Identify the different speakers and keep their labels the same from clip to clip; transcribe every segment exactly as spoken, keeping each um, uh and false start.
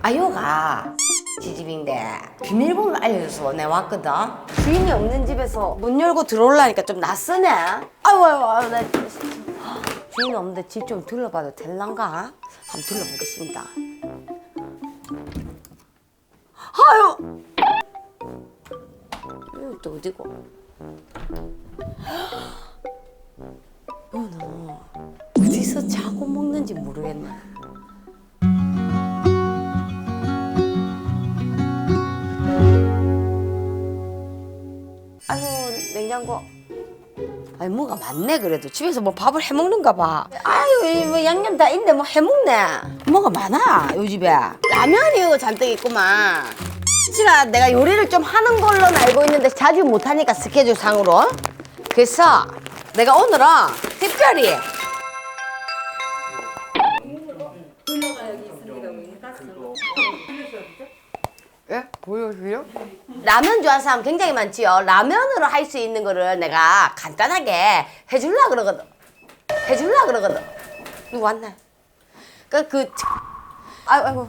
Speaker 1: 아요가 지집인데 비밀번호 알려줘서 내가 왔거든. 주인이 없는 집에서 문 열고 들어오려니까 좀 낯서네. 아유 아유 아유 나 주인 없는데 집 좀 둘러봐도 될란가? 한번 둘러보겠습니다. 아유 이거 또 어디고? 어너 어디서 자고 먹는지 모르겠네. 아이고 냉장고 아니 뭐가 많네. 그래도 집에서 뭐 밥을 해먹는가 봐. 아유 뭐 양념 다 있네. 뭐 해먹네. 뭐가 많아 요 집에. 라면이 잔뜩 있구만. 지가 내가 요리를 좀 하는 걸로는 알고 있는데 자주 못하니까 스케줄 상으로. 그래서 내가 오늘은 특별히 예? 보여줘요? 라면 좋아하는 사람 굉장히 많지요. 라면으로 할 수 있는 거를 내가 간단하게 해줄라 그러거든. 해줄라 그러거든. 누구 왔나? 그, 그, 아이고, 아이고.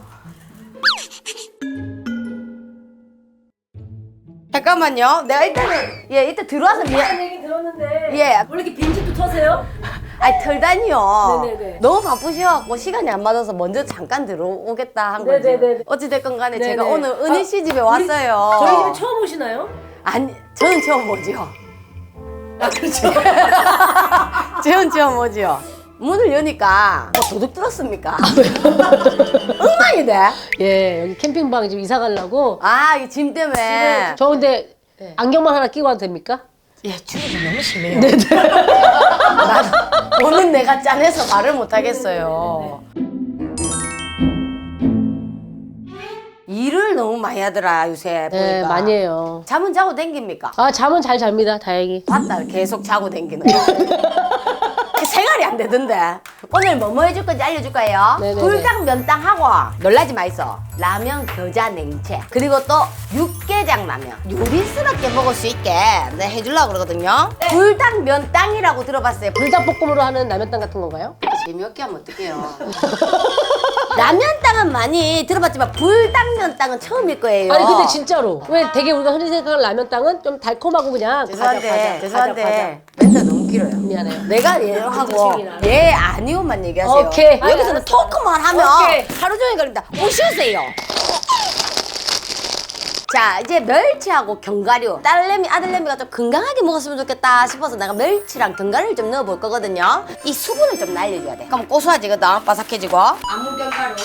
Speaker 1: 잠깐만요. 내가 일단은, 예, 일단 들어와서 미안.
Speaker 2: 얘기 들었는데
Speaker 1: 예.
Speaker 2: 원래 이렇게 빈집도 터세요?
Speaker 1: 아니, 털다니요.
Speaker 2: 네네네.
Speaker 1: 너무 바쁘셔갖고 시간이 안 맞아서 먼저 잠깐 들어오겠다 한 거지.
Speaker 2: 네네네.
Speaker 1: 어찌됐건 간에
Speaker 2: 네네.
Speaker 1: 제가 오늘 은희 씨 집에 왔어요.
Speaker 2: 저희 집에 처음 오시나요?
Speaker 1: 아니, 저는 처음 오죠.
Speaker 2: 아 그렇죠.
Speaker 1: 저는 처음 오죠. 문을 여니까 뭐 도둑 들었습니까? 엉망이 돼.
Speaker 3: 예, 여기 캠핑방 지금 이사 가려고.
Speaker 1: 아, 이 짐 때문에.
Speaker 3: 저 근데 안경만 하나 끼고 와도 됩니까?
Speaker 1: 예, 주름이 너무 심해요. 나 오늘 내가 짠해서 말을 못 하겠어요. 일을 너무 많이 하더라 요새 보니까.
Speaker 3: 네, 많이 해요.
Speaker 1: 잠은 자고 댕깁니까?
Speaker 3: 아, 잠은 잘 잡니다, 다행히.
Speaker 1: 봤다 계속 자고 댕기는 거. 생활이 안 되던데. 오늘 뭐 뭐 해줄 건지 알려줄 거예요.
Speaker 3: 네네네.
Speaker 1: 불닭 면탕하고 놀라지 마이소. 라면 겨자 냉채 그리고 또 육개장 라면 요리스럽게 먹을 수 있게 내가 해주려고 그러거든요. 불닭 면탕이라고 들어봤어요.
Speaker 3: 불닭볶음으로 하는 라면땅 같은 건가요?
Speaker 1: 재미없게 하면 어떡해요. 라면땅은 많이 들어봤지만 불닭면땅은 처음일 거예요.
Speaker 3: 아니, 근데 진짜로. 왜 되게 우리가 흔히 생각하는 라면땅은 좀 달콤하고 그냥
Speaker 1: 죄송한데
Speaker 3: 과자, 과자,
Speaker 1: 죄송한데 멘트 너무 길어요.
Speaker 3: 미안해요.
Speaker 1: 내가 얘를 하고 얘 아니오만 얘기하세요.
Speaker 3: 오케이.
Speaker 1: 여기서는
Speaker 3: 알았어,
Speaker 1: 토크만 하면
Speaker 3: 오케이.
Speaker 1: 하루 종일 걸린다. 오시세요. 자 이제 멸치하고 견과류. 딸내미 아들내미가 좀 건강하게 먹었으면 좋겠다 싶어서 내가 멸치랑 견과류를 좀 넣어볼 거거든요. 이 수분을 좀 날려줘야 돼. 그럼 고소해지거든. 바삭해지고. 아무 견과류.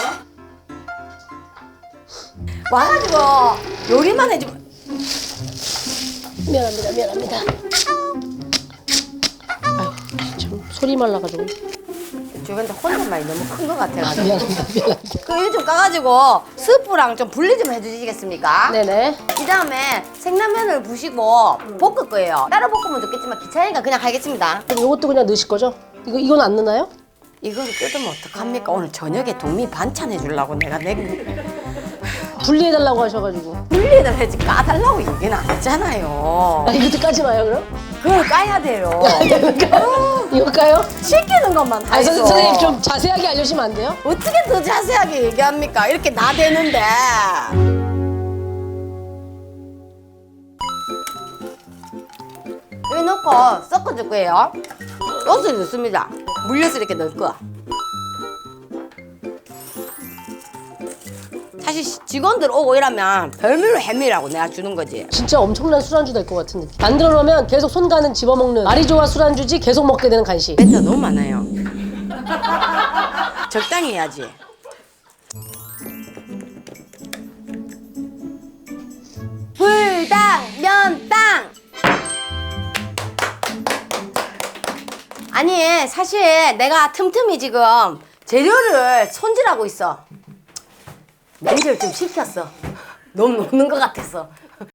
Speaker 1: 와가지고 요리만 해주면
Speaker 3: 미안합니다, 미안합니다. 아유, 참 소리 말라가지고.
Speaker 1: 주변에 혼잣말이 너무 큰 것 같아가지고.
Speaker 3: 미안합니다, 미안합니다.
Speaker 1: 그 일 좀 까가지고 스프랑 좀 분리 좀 해주시겠습니까?
Speaker 3: 네네.
Speaker 1: 이 다음에 생라면을 부시고 볶을 거예요. 따로 볶으면 좋겠지만 귀찮으니까 그냥 하겠습니다.
Speaker 3: 그럼 이것도 그냥 넣으실 거죠? 이거, 이건 안 넣나요?
Speaker 1: 이거를 뜯으면 어떡합니까? 오늘 저녁에 동미 반찬 해주려고 내가 내
Speaker 3: 분리해달라고 하셔가지고.
Speaker 1: 분리를 해지 까달라고 얘기는 안 했잖아요.
Speaker 3: 아, 이것도 까지 마요, 그럼?
Speaker 1: 그걸 까야 돼요.
Speaker 3: 이거 까요?
Speaker 1: 시키는 것만
Speaker 3: 아,
Speaker 1: 하죠.
Speaker 3: 선생님 좀 자세하게 알려주시면 안 돼요?
Speaker 1: 어떻게 더 자세하게 얘기합니까? 이렇게 나대는데. 여기 넣고 섞어줄 거예요. 여기서 넣습니다. 물엿을 이렇게 넣을 거야. 사실 직원들 오고 이러면 별미로 해미라고 내가 주는 거지.
Speaker 3: 진짜 엄청난 술안주 될 것 같은 느낌. 만들어 놓으면 계속 손 가는 집어먹는 말이 좋아 술안주지 계속 먹게 되는 간식.
Speaker 1: 멘트가 너무 많아요. 적당히 해야지. 불닭 면땅. 아니 사실 내가 틈틈이 지금 재료를 손질하고 있어. 매니저를 좀 시켰어. 너무 노는 것 같아서.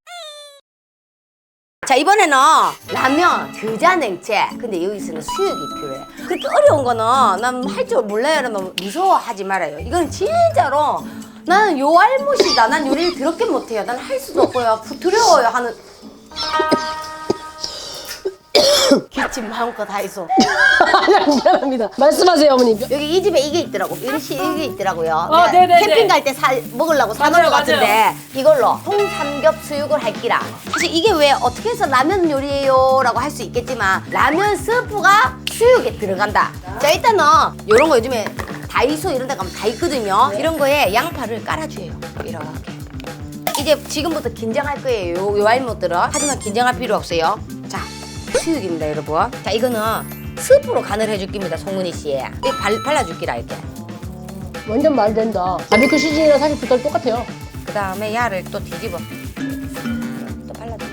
Speaker 1: 자 이번에는 라면, 겨자 냉채. 근데 여기서는 수육이 필요해. 그렇게 어려운 거는 난 할 줄 몰라요 이러면 무서워하지 말아요. 이건 진짜로 나는 요 알못이다. 난 요리를 그렇게 못해요. 난 할 수도 없고요. 두려워요 하는. 기침 마음껏 다 있어.
Speaker 3: 아니, 미안합니다. 말씀하세요, 어머님.
Speaker 1: 여기 이 집에 이게 있더라고. 이것이 이게 있더라고요.
Speaker 2: 아,
Speaker 1: 내가
Speaker 2: 네네네.
Speaker 1: 캠핑 갈 때 사 먹으려고 사놓은
Speaker 2: 맞아요,
Speaker 1: 것 같은데 이걸로 통삼겹 수육을 할기라. 사실 이게 왜 어떻게 해서 라면 요리예요? 라고 할 수 있겠지만 라면 스프가 수육에 들어간다. 자, 일단은 이런 거 요즘에 다이소 이런 데 가면 다 있거든요. 이런 거에 양파를 깔아줘요. 이렇게. 이제 지금부터 긴장할 거예요. 요, 요 알못들은. 하지만 긴장할 필요 없어요. 자, 수육입니다, 여러분. 자, 이거는 스프로 간을 해줄 겁니다, 송은이 씨. 이 발, 발라줄기라, 이렇게.
Speaker 3: 완전 말이 된다. 바비큐 시즌이랑 사실 빛깔 똑같아요.
Speaker 1: 그 다음에 야를 또 뒤집어. 또 발라줘.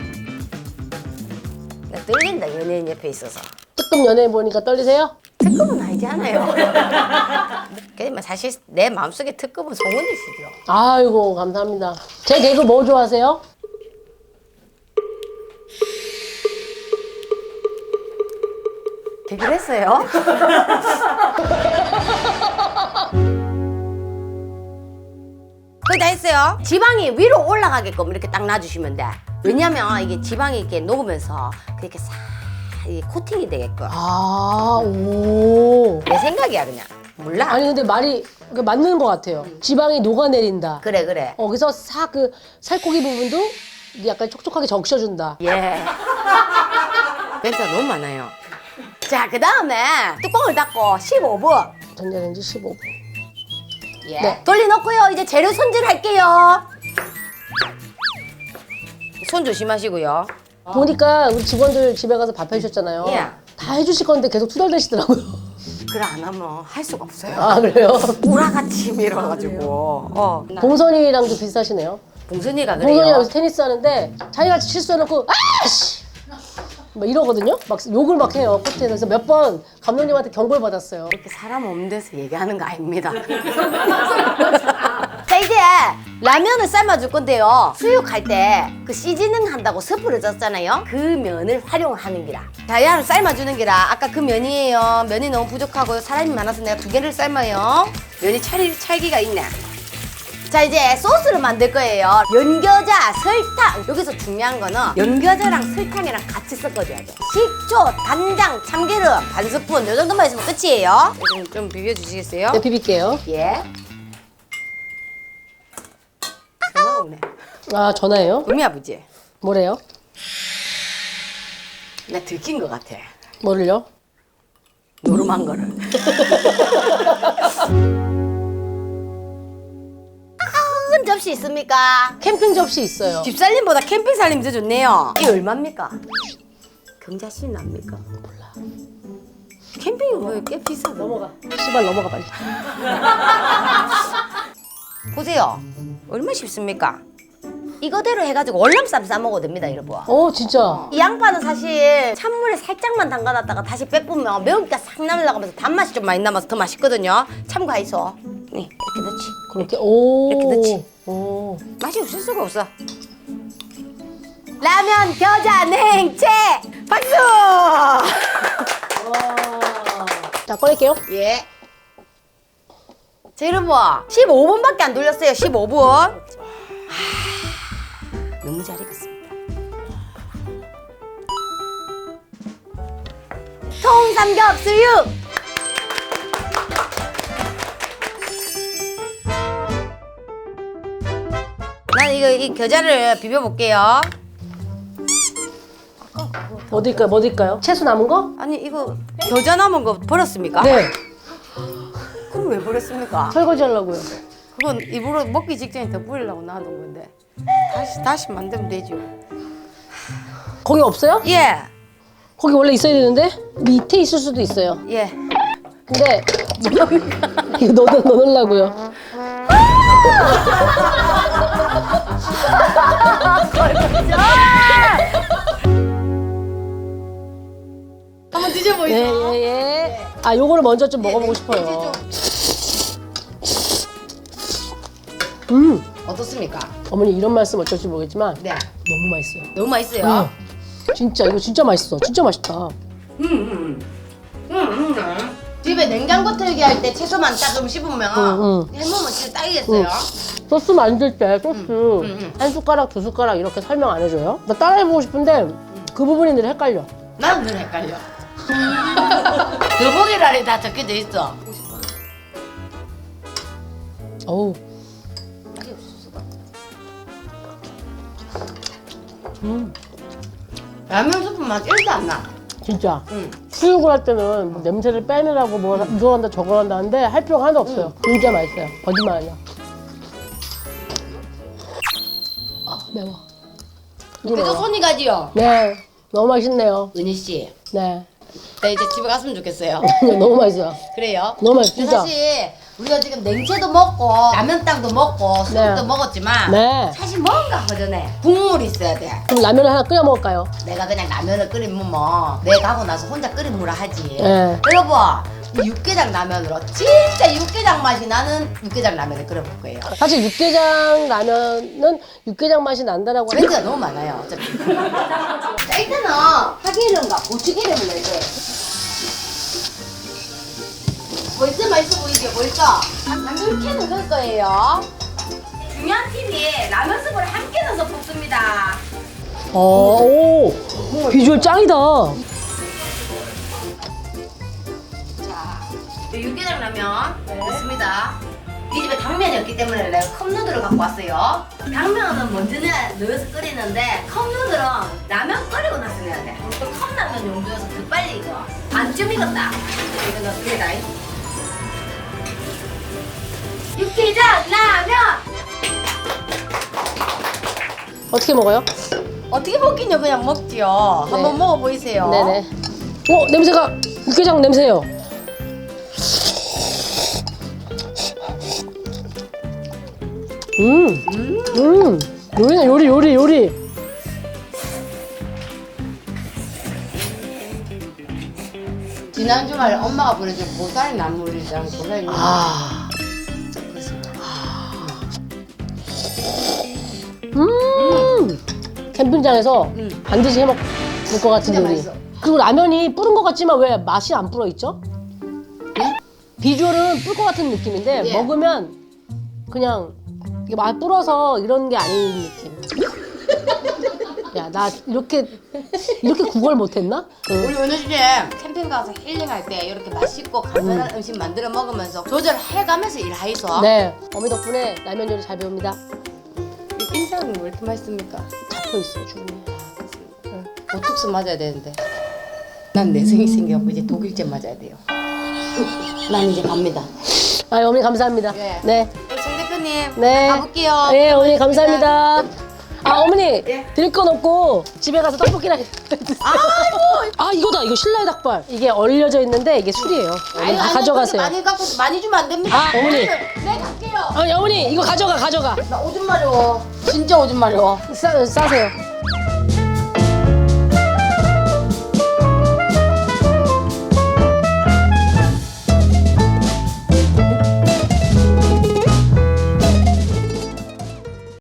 Speaker 1: 나 떨린다, 연예인 옆에 있어서.
Speaker 3: 뜨끔 연예인 보니까 떨리세요?
Speaker 1: 특급은 아니지 않아요. 그지만 사실 내 마음속에 특급은 송은이 씨죠.
Speaker 3: 아이고, 감사합니다. 제 개그 뭐 좋아하세요?
Speaker 1: 되긴 했어요. 거의 다 했어요. 지방이 위로 올라가게끔 이렇게 딱 놔주시면 돼. 왜냐면 이게 지방이 이렇게 녹으면서 그렇게 싹 이게 코팅이 되게끔.
Speaker 3: 아, 오.
Speaker 1: 내 생각이야 그냥. 몰라.
Speaker 3: 아니, 근데 말이 그 맞는 것 같아요. 지방이 녹아내린다.
Speaker 1: 그래 그래.
Speaker 3: 어, 그래서 싹 그 살코기 부분도 약간 촉촉하게 적셔준다.
Speaker 1: 예. 멘트가 너무 많아요. 자, 그 다음에 뚜껑을 닫고 십오 분.
Speaker 3: 전자레인지 십오 분.
Speaker 1: 예.
Speaker 3: 네.
Speaker 1: 돌려놓고요. 이제 재료 손질할게요. 손 조심하시고요.
Speaker 3: 보니까 우리 직원들 집에 가서 밥 해주셨잖아요.
Speaker 1: 예.
Speaker 3: 다 해주실 건데 계속 투덜대시더라고요.
Speaker 1: 그래 안 하면 할 수가 없어요.
Speaker 3: 아, 그래요?
Speaker 1: 우라같이 밀어가지고. 어.
Speaker 3: 봉선이랑도 비슷하시네요.
Speaker 1: 봉선이가 그래요.
Speaker 3: 봉선이랑 여기서 테니스 하는데 자기가 실수해놓고 아씨! 막 이러거든요? 막 욕을 막 해요, 코트에서. 그래서 몇 번 감독님한테 경고를 받았어요.
Speaker 1: 이렇게 사람 없는 데서 얘기하는 거 아닙니다. 자, 이제 라면을 삶아줄 건데요. 수육할 때 그 시즈닝 한다고 스프를 쪘잖아요. 그 면을 활용하는 기라. 자, 야를 삶아주는 기라. 아까 그 면이에요. 면이 너무 부족하고 사람이 많아서 내가 두 개를 삶아요. 면이 찰, 찰기가 있네. 자, 이제 소스를 만들 거예요. 연겨자, 설탕. 여기서 중요한 거는 연겨자랑 설탕이랑 같이 섞어줘야 돼. 식초, 간장, 참기름 반 스푼 요 정도만 있으면 끝이에요. 좀, 좀 비벼주시겠어요?
Speaker 3: 네, 비빌게요.
Speaker 1: 예. 전화 오네.
Speaker 3: 아, 전화예요?
Speaker 1: 음이 아버지.
Speaker 3: 뭐래요?
Speaker 1: 나 들킨 것 같아.
Speaker 3: 뭐를요?
Speaker 1: 노름한 거를. 큰 접시 있습니까?
Speaker 3: 캠핑 접시 있어요.
Speaker 1: 집살림보다 캠핑 살림이 더 좋네요. 이게 얼마입니까? 경자씨 납니까? 몰라. 캠핑이 뭐 꽤 비싸다.
Speaker 3: 넘어가. 시발 넘어가 빨리.
Speaker 1: 보세요. 얼마 싶습니까? 이거대로 해가지고 월남쌈 싸먹어도 됩니다, 여러분.
Speaker 3: 어, 진짜.
Speaker 1: 이 양파는 사실 찬물에 살짝만 담가놨다가 다시 빼보면 매운기가 싹 날라가면서 단맛이 좀 많이 남아서 더 맛있거든요. 참고하이소. 네, 이렇게 넣지.
Speaker 3: 그렇게 오.
Speaker 1: 이렇게 넣지.
Speaker 3: 오.
Speaker 1: 맛이 없을 수가 없어. 라면, 겨자, 냉채! 박수!
Speaker 3: 자, 꺼낼게요.
Speaker 1: 예. 자, 여러분. 십오 분밖에 안 돌렸어요. 십오 분. 하, 너무 잘 익었습니다. 통삼겹 수육! 난 이거 이 겨자를 비벼볼게요.
Speaker 3: 뭐 드릴까요? 뭐 드릴까요? 채소 남은 거?
Speaker 1: 아니 이거 겨자 남은 거 버렸습니까?
Speaker 3: 네.
Speaker 1: 그럼 왜 버렸습니까?
Speaker 3: 설거지 하려고요.
Speaker 1: 그건 입으로 먹기 직전에 더 뿌리려고 놔둔 건데 다시 다시 만들면 되죠.
Speaker 3: 거기 없어요?
Speaker 1: 예,
Speaker 3: 거기 원래 있어야 되는데 밑에 있을 수도 있어요.
Speaker 1: 예.
Speaker 3: 근데 이거 넣어 넣으려고요.
Speaker 1: 한번 드셔보이소.
Speaker 3: 예예 예. 아 요거를 먼저 좀 먹어보고 싶어요. 음
Speaker 1: 어떻습니까?
Speaker 3: 어머니 이런 말씀 어쩔지 모르겠지만
Speaker 1: 네.
Speaker 3: 너무 맛있어요.
Speaker 1: 너무 맛있어요.
Speaker 3: 음, 진짜 이거 진짜 맛있어. 진짜 맛있다.
Speaker 1: 음, 음, 음, 음. 집에 냉장고 틀기 할 때 채소만 딱 좀 씹으면
Speaker 3: 음, 음.
Speaker 1: 해먹으면 진짜 딱이겠어요.
Speaker 3: 소스 만들 때 소스
Speaker 1: 음, 음.
Speaker 3: 한 숟가락 두 숟가락 이렇게 설명 안 해줘요? 나 따라해보고 싶은데 그 부분이 늘 헷갈려.
Speaker 1: 나는 늘 헷갈려. 더보기란에 다 적혀져 있어.
Speaker 3: 어우. 음,
Speaker 1: 라면 스프 맛 일도 안 나.
Speaker 3: 진짜.
Speaker 1: 응.
Speaker 3: 수육을 할 때는 뭐 냄새를 빼내라고 뭐 이거 한다 저거 한다 하는데 할 필요가 하나도 없어요. 진짜 맛있어요. 거짓말 아니야. 아, 매워.
Speaker 1: 그래서 손이 가지요.
Speaker 3: 네, 너무 맛있네요.
Speaker 1: 은희 씨,
Speaker 3: 네,
Speaker 1: 나 이제 집에 갔으면 좋겠어요.
Speaker 3: 너무 맛있어요.
Speaker 1: 그래요?
Speaker 3: 너무 맛있어,
Speaker 1: 근데
Speaker 3: 진짜.
Speaker 1: 사실 우리가 지금 냉채도 먹고 라면땅도 먹고 수육도
Speaker 3: 네.
Speaker 1: 먹었지만
Speaker 3: 네.
Speaker 1: 사실 뭔가 허전해. 국물이 있어야 돼.
Speaker 3: 그럼 라면을 하나 끓여 먹을까요?
Speaker 1: 내가 그냥 라면을 끓이면 뭐 내가 하고 나서 혼자 끓인 물을 하지.
Speaker 3: 네.
Speaker 1: 여러분, 이 육개장 라면으로 진짜 육개장 맛이 나는 육개장 라면을 끓여볼 거예요.
Speaker 3: 사실 육개장 라면은 육개장 맛이 난다라고 하는
Speaker 1: 멘트가 너무 많아요. 어차피. 자, 일단은 파기름과 고추기름을 넣어야 돼. 벌써 맛있어 보이게 벌써 한 이렇게 넣을 거예요. 중요한 팁이 라면 스프를 함께 넣어서 볶습니다.
Speaker 3: 어, 오, 비주얼 짱이다.
Speaker 1: 자, 이 육개장 라면 넣습니다. 이 집에 당면이 없기 때문에 내가 컵누들을 갖고 왔어요. 당면은 먼저 넣어서 끓이는데 컵누들은 라면 끓이고 나서 넣어야 돼. 또 컵라면 용도여서 더 빨리 이거 안 좀 익었다. 이거 넣습니다. 육개장 라면!
Speaker 3: 어떻게 먹어요?
Speaker 1: 어떻게 먹긴요? 그냥 먹지요.
Speaker 3: 네.
Speaker 1: 한번 먹어보이세요.
Speaker 3: 네네. 어, 냄새가 육개장 냄새예요. 음, 음, 요리네 요리 요리 요리.
Speaker 1: 지난 주말에 엄마가 보내준 보살이 나물이랑 보살이
Speaker 3: 아, 음, 캠핑장에서
Speaker 1: 음.
Speaker 3: 반드시 해먹을 것 같은
Speaker 1: 진짜
Speaker 3: 요리.
Speaker 1: 맛있어.
Speaker 3: 그리고 라면이 뿌른 것 같지만 왜 맛이 안 불어 있죠? 비주얼은 뿔 것 같은 느낌인데
Speaker 1: 예.
Speaker 3: 먹으면 그냥 이게 맛 불어서 이런 게 아닌 느낌. 야, 나 이렇게 이렇게 구걸 못했나? 응.
Speaker 1: 우리 은우 씨 캠핑 가서 힐링할 때 이렇게 맛있고 간편한 음. 식 만들어 먹으면서 조절해가면서 일하이소.
Speaker 3: 네, 어미 덕분에 라면 요리 잘 배웁니다.
Speaker 1: 이 인상이 왜 이렇게 맛있습니까?
Speaker 3: 잡혀 있어요, 주름이.
Speaker 1: 보톡스 맞아야 되는데 난 내성이 생겨갖고 이제 독일제 맞아야 돼요. 난 이제 갑니다.
Speaker 3: 아, 어머니 감사합니다.
Speaker 1: 네.
Speaker 3: 네,
Speaker 1: 정 대표님
Speaker 3: 네.
Speaker 1: 가볼게요.
Speaker 3: 네, 어머니 감사합니다. 아, 어머니
Speaker 1: 예.
Speaker 3: 드릴 건 없고 집에 가서 떡볶이나 드세요. 아, 이거다, 이거 신라의 닭발. 이게 얼려져 있는데 이게 술이에요. 어머니 다
Speaker 1: 아니,
Speaker 3: 가져가세요.
Speaker 1: 많이 갖고 많이 주면 안 됩니다.
Speaker 3: 아, 어머니.
Speaker 1: 네 갈게요.
Speaker 3: 아니, 어머니 이거 가져가, 가져가.
Speaker 1: 나 오줌 마려워. 진짜 오줌 마려워.
Speaker 3: 싸, 싸세요.